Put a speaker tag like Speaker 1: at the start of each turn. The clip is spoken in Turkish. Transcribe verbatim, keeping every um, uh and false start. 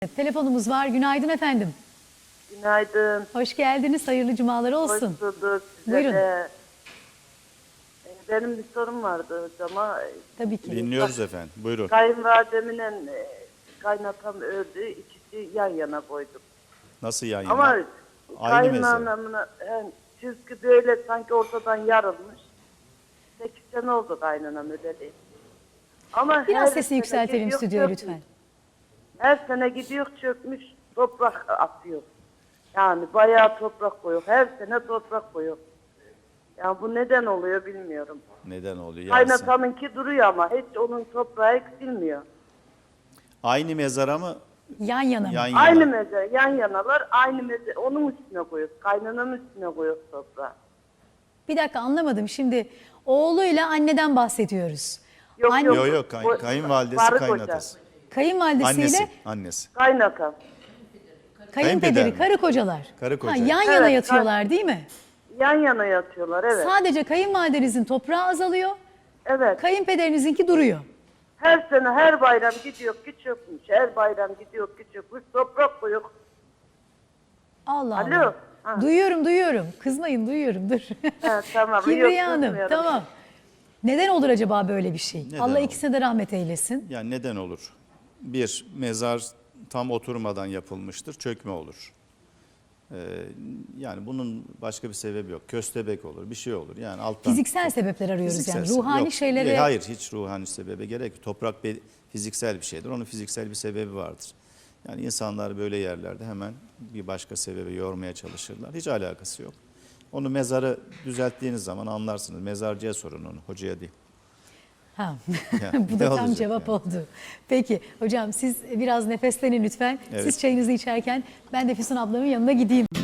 Speaker 1: Telefonumuz var. Günaydın efendim.
Speaker 2: Günaydın.
Speaker 1: Hoş geldiniz. Hayırlı cumalar olsun.
Speaker 2: Hoş bulduk. Size
Speaker 1: Buyurun.
Speaker 2: de. Benim bir sorum vardı hocama.
Speaker 1: Tabii ki.
Speaker 3: Dinliyoruz efendim. Buyurun.
Speaker 2: Kayınvalidemle e, kaynatam öldü. İkisi yan yana koyduk.
Speaker 3: Nasıl yan yana?
Speaker 2: Ama
Speaker 3: Aynı mezar.
Speaker 2: kaynanamına yani çizgi böyle sanki ortadan yarılmış. Sekiz sene oldu kaynanam öleli. Ama
Speaker 1: Biraz
Speaker 2: her
Speaker 1: sesi
Speaker 2: sene
Speaker 1: yükseltelim
Speaker 2: gidiyor,
Speaker 1: stüdyoya
Speaker 2: çökmüş.
Speaker 1: lütfen.
Speaker 2: Her sene gidiyor çökmüş toprak atıyor. Yani bayağı toprak koyuyor. Her sene toprak koyuyor. Yani bu neden oluyor bilmiyorum.
Speaker 3: Neden oluyor? Yansın.
Speaker 2: Kaynatamınki duruyor ama hiç onun toprağı eksilmiyor.
Speaker 3: Aynı mezara mı?
Speaker 1: Yan yana mı?
Speaker 3: Yan yana.
Speaker 2: Aynı meze, yan yanalar, aynı meze, onun üstüne koyuyoruz. Kaynananın üstüne koyuyoruz toprağı.
Speaker 1: Bir dakika anlamadım. Şimdi oğluyla anneden bahsediyoruz.
Speaker 2: Yok
Speaker 1: Anne-
Speaker 2: yok.
Speaker 3: Yok yok. Kay-
Speaker 2: Bu-
Speaker 3: kayınvalidesi,
Speaker 2: karı koca.
Speaker 3: kaynatası.
Speaker 1: Kayınvalidesiyle
Speaker 3: Annesi. Annesi.
Speaker 2: Kaynata.
Speaker 1: kayınpederi,
Speaker 3: Kayınpeder mi?
Speaker 1: karı kocalar.
Speaker 3: Karı koca.
Speaker 1: Ha, yan
Speaker 2: Evet,
Speaker 1: yana
Speaker 2: kay-
Speaker 1: yatıyorlar değil mi?
Speaker 2: Yan yana yatıyorlar, evet.
Speaker 1: Sadece kayınvalidenizin toprağı azalıyor.
Speaker 2: Evet.
Speaker 1: Kayınpederinizinki duruyor.
Speaker 2: Her sene her bayram gidiyor ki çökmüş. Her bayram gidiyor ki çökmüş. Toprak koyuyor.
Speaker 1: Allah
Speaker 2: Alo.
Speaker 1: Allah.
Speaker 2: Ha.
Speaker 1: Duyuyorum duyuyorum. Kızmayın duyuyorum dur.
Speaker 2: Ha, tamam.
Speaker 1: Kibriye
Speaker 2: Yok,
Speaker 1: Hanım
Speaker 2: kızmıyorum.
Speaker 1: tamam. Neden olur acaba böyle bir şey?
Speaker 3: Neden
Speaker 1: Allah
Speaker 3: olur?
Speaker 1: ikisine de rahmet eylesin.
Speaker 3: Yani neden olur? Bir, mezar tam oturmadan yapılmıştır. Çökme olur. Ee, yani bunun başka bir sebebi yok. Köstebek olur, bir şey olur. Yani alttan.
Speaker 1: Fiziksel sebepler arıyoruz
Speaker 3: Fiziksel
Speaker 1: yani.
Speaker 3: sebep-
Speaker 1: Ruhani
Speaker 3: yok.
Speaker 1: şeylere...
Speaker 3: E, Hayır, hiç ruhani sebebe gerek yok. Toprak bir fiziksel bir şeydir. Onun fiziksel bir sebebi vardır. Yani insanlar böyle yerlerde hemen bir başka sebebi yormaya çalışırlar. Hiç alakası yok. Onu mezarı düzelttiğiniz zaman anlarsınız. Mezarcıya sorun onu, hocaya değil.
Speaker 1: Ha.
Speaker 3: Ya,
Speaker 1: Bu
Speaker 3: ne
Speaker 1: da tam
Speaker 3: olacak
Speaker 1: cevap
Speaker 3: yani?
Speaker 1: oldu. Peki hocam siz biraz nefeslenin lütfen.
Speaker 3: Evet.
Speaker 1: Siz çayınızı içerken ben de Füsun ablamın yanına gideyim.